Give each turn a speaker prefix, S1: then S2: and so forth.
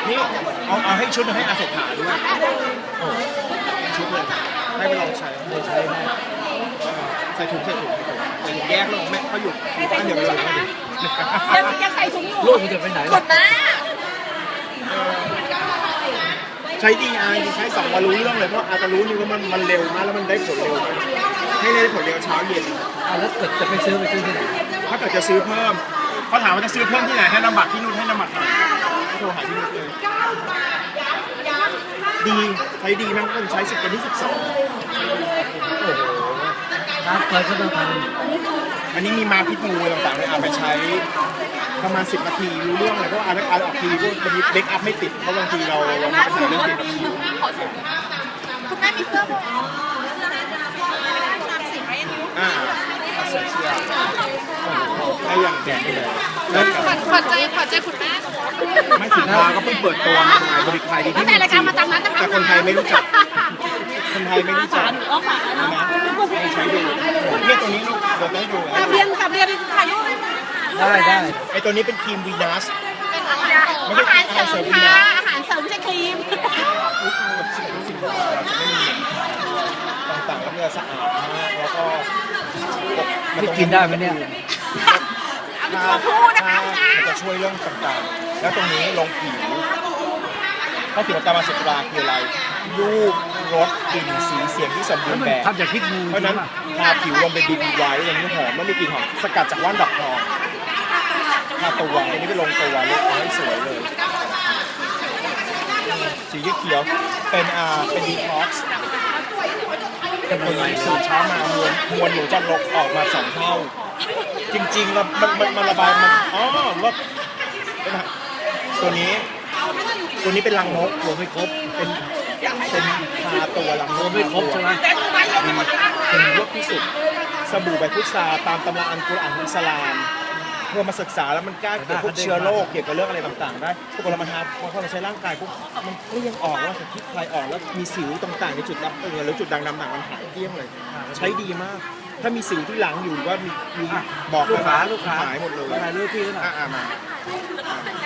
S1: นี่เอาให้ชุดให้อาเศรษฐาด้วยโอ้ชุดเลยให้ไปลองใช้เลยใช้แม่ใส่ถุงแยกลงแม่เขาอยู่บ้านเดียวกันเลย
S2: ยังใส่ถุงอยู่
S3: ลูกมันจะไปไหน
S2: กดนะ
S1: ใช้ดีใช้2 วันรู้เรื่องเลยเพราะอาจจะรู้นี่ว่ามันเร็วมากแล้วมันได้ผลเร็วให้ได้ผลเร็วเช้าเย็น
S3: แล้วเกิดจะไปซื้อที่ไหน
S1: ถ้าเกิดจะซื้อเพิ่มเขาถามว่าจะซื้อเพิ่มที่ไหนให้นำบัตรที่นู่นให้นำบัตรหน่อยโทรหาที่นู่นเลยดีใช้ดีมากใช้10 วันที่ 12
S3: น้ำเปิดก็ต้องท
S1: ำอันนี้มีมาพิษงูต่างๆเลยเอาไปใช้ประมาณ10 นาทีรู้เรื่องเลยเพราะอ่านออกทีพวกบางทีเบรกอัพไม่ติดเพราะบางทีเรามีปัญหาเรื่องเกี่ยวกับคิว
S2: คุณแม่มีเสื้อผมสีไหม
S1: เสื้อให้อย่างแดงไปเลย
S2: ขวัญใจคุณแม่
S1: ไม่ถึงมาก็เพิ่งเปิดตัวมาบริการดีที่
S2: แต่รายการมาจากนั้น
S1: แต่คนไทยไม่รู้จักคนไทยไม่รู้จักนะใช้ดูเนี่ยตัวนี้ลูกเดี๋ยวให้ดู
S2: กับเรียนถ่ายรูป
S3: ได้
S1: ไอตัวนี้เป็นครีมวีนัส
S2: อาหารเสริมค่ะอาหารเสริมไม่ใช่ครีม
S1: ต่างๆแล้วมันสะอาดมากแล้วก็
S3: มันกินได้ไหมเนี่ย
S1: มันจะช่วยเรื่องต่างๆแล้วตรงนี้ลงผิวถ้าผิวตามาสุดราคืออะไรรูปรสกลิ่นสีเสียงที่สมบูรณ์แบบ
S3: ทำจากพริกงู
S1: เพราะนั้นทาผิวลงเป็นบีบีไว้อย่างนี้หอมแล้วมีกลิ่นหอมสกัดจากว่านดอกทองทาตัวอันนี้ไปลงตัวเลยให้สวยเลยสีเขียวเป็นดีท็อกซ์แต่ตัวนี้สูตรเช้ามามวลหนูจะลดออกมา2 เท่าจริงๆแล้วมันระบายมันลดตัวนี้เป็นรังนกรวมไม่ครบเป็นทาตัวรังนก
S3: ไม่ครบใช่ไหม
S1: เป็นยกที่สุดสบู่ใบพุทราตามตำราอัลกุรอานอิสลามเพื่อมาศึกษาแล้วมันกล้าเกี่ยวกับพวกเชื้อโรคเกี่ยวกับเรื่องอะไรต่างๆได้พวกเรามาทาพอเราใช้ร่างกายปุ๊บมันก็ยังออกว่าคิดคลายออกแล้วมีสิวต่างๆในจุดดำหรือจุดด่างดำต่างมันหายเกลี้ยงเลยใช้ดีมากถ้ามีสิวที่หลังอยู่ว่ามีบอก
S3: ลูกค้า
S1: หายหมดเลย
S3: อะไรเรื่องพี่หน่อย
S1: มา